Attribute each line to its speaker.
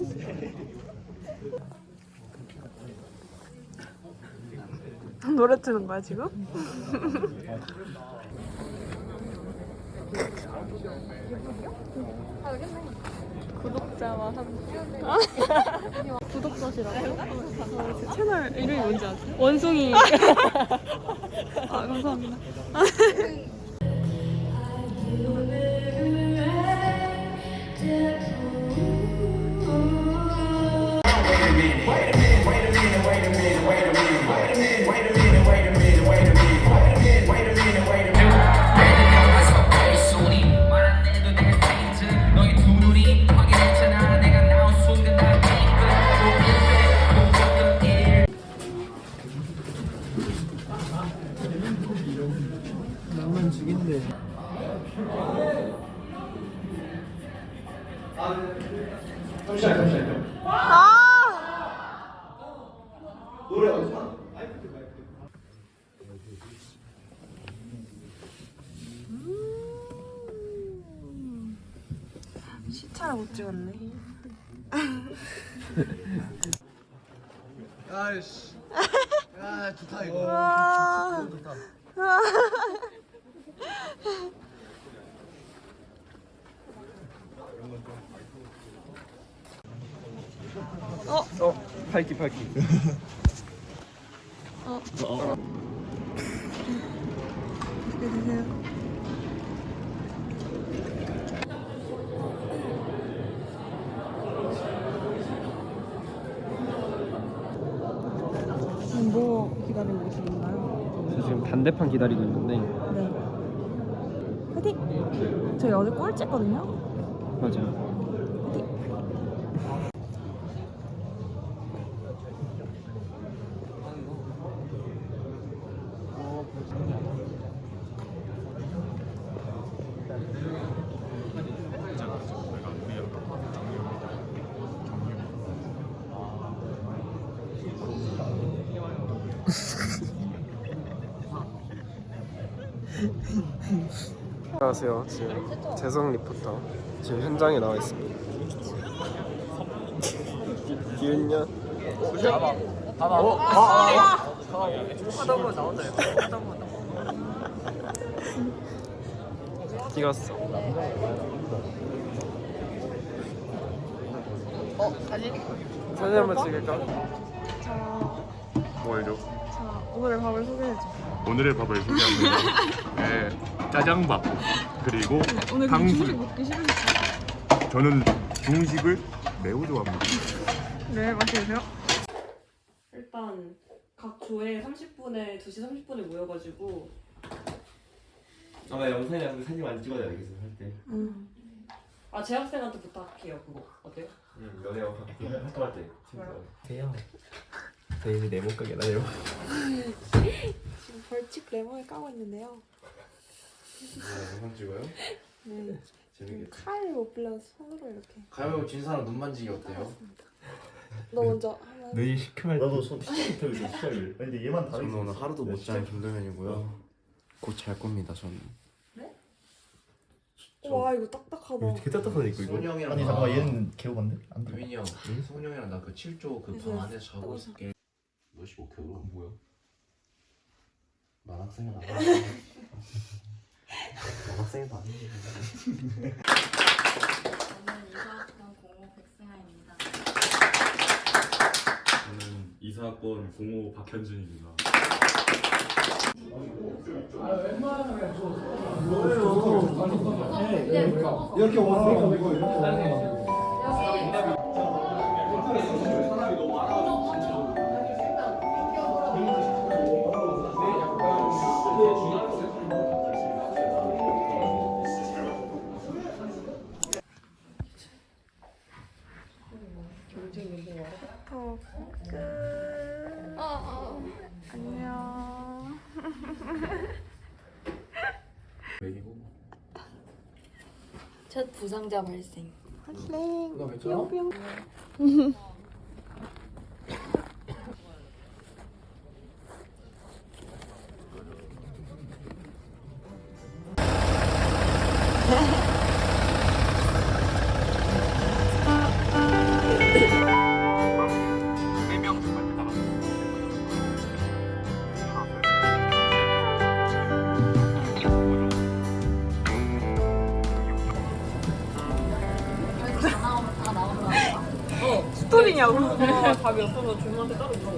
Speaker 1: 노래 트는 거야 지금? 구독자와 함께. 구독자시라고? 제 채널 이름이 뭔지 아세요? 원숭이. 아 감사합니다.
Speaker 2: 낭만 죽인데. 잠시만요. 노래 어디서?
Speaker 1: 시차를 못 찍었네.
Speaker 2: 아이씨. 야 좋다 이거.
Speaker 1: 와.
Speaker 2: 좋다. 팔기.
Speaker 1: 어떻게 되세요? 지금 뭐 기다리고 계시는가요?
Speaker 2: 저 지금 반대판 기다리고 있는데.
Speaker 1: 네. 화이팅! 저희 어제 꼴찌했거든요?
Speaker 2: 맞아요. 안녕하세요. 지금 재성 리포터 지금 현장에 나와 있습니다. 기훈년. 하다보면 나온다요. 찍었어. 사진 한번 찍을까?
Speaker 3: 뭘요?
Speaker 1: 자, 오늘의 밥을 소개해줘.
Speaker 3: 오늘의 밥을 소개합니다. 네, 짜장밥 그리고
Speaker 1: 오늘 근데
Speaker 3: 탕수육.
Speaker 1: 중식 먹기 싫으시죠?
Speaker 3: 저는 중식을 매우 좋아합니다.
Speaker 1: 네, 맛있으세요?
Speaker 4: 일단 각 조에 30분에 2시 30분에 모여가지고
Speaker 5: 나 영상이랑 사진 많이 찍어야 되겠어 할 때.
Speaker 4: 아 재학생한테 부탁해요 그거 어때요?
Speaker 5: 연애하고 활동할 때.
Speaker 2: 대형. 내 네모 가게다 네모.
Speaker 1: 지금 벌칙 레몬을 까고 있는데요.
Speaker 5: 영상 찍어요?
Speaker 1: 네.
Speaker 5: 재밌겠다.
Speaker 1: 칼 못 빌려서 손으로 이렇게.
Speaker 6: 가위바위보 진 사람 눈 만지기 어때요?
Speaker 1: 너 먼저 하면.
Speaker 2: 눈이 시큼할 때.
Speaker 5: 나도 손 시작부터 시작을. 근데 얘만 다르게.
Speaker 6: 저는 오늘 하루도 못 자는 김도현이고요. 곧 잘 겁니다. 저는.
Speaker 1: 와 이거 딱딱하다.
Speaker 2: 되게 딱딱하네 이거.
Speaker 6: 소은이 형이랑
Speaker 2: 아니 잠깐만 얘는 개호반데? 안 돼.
Speaker 6: 유인이 형, 소은이 형이랑 나 그 7조 그 방 안에서 자고 있을게. 너 15kg 뭐야? 만학생은 안 해.
Speaker 5: 학생도 아닌데.
Speaker 7: 저는 이사학번 05 백승아입니다.
Speaker 3: 저는 이사학번 05 박현준입니다.
Speaker 2: 이렇게 와서 이거 이렇게.
Speaker 1: 안녕.
Speaker 7: 첫 부상자 발생.
Speaker 1: 발생.
Speaker 6: 너 괜찮아?
Speaker 1: 있냐고.
Speaker 4: 답이 없어서 주문한테 따로 물어봐.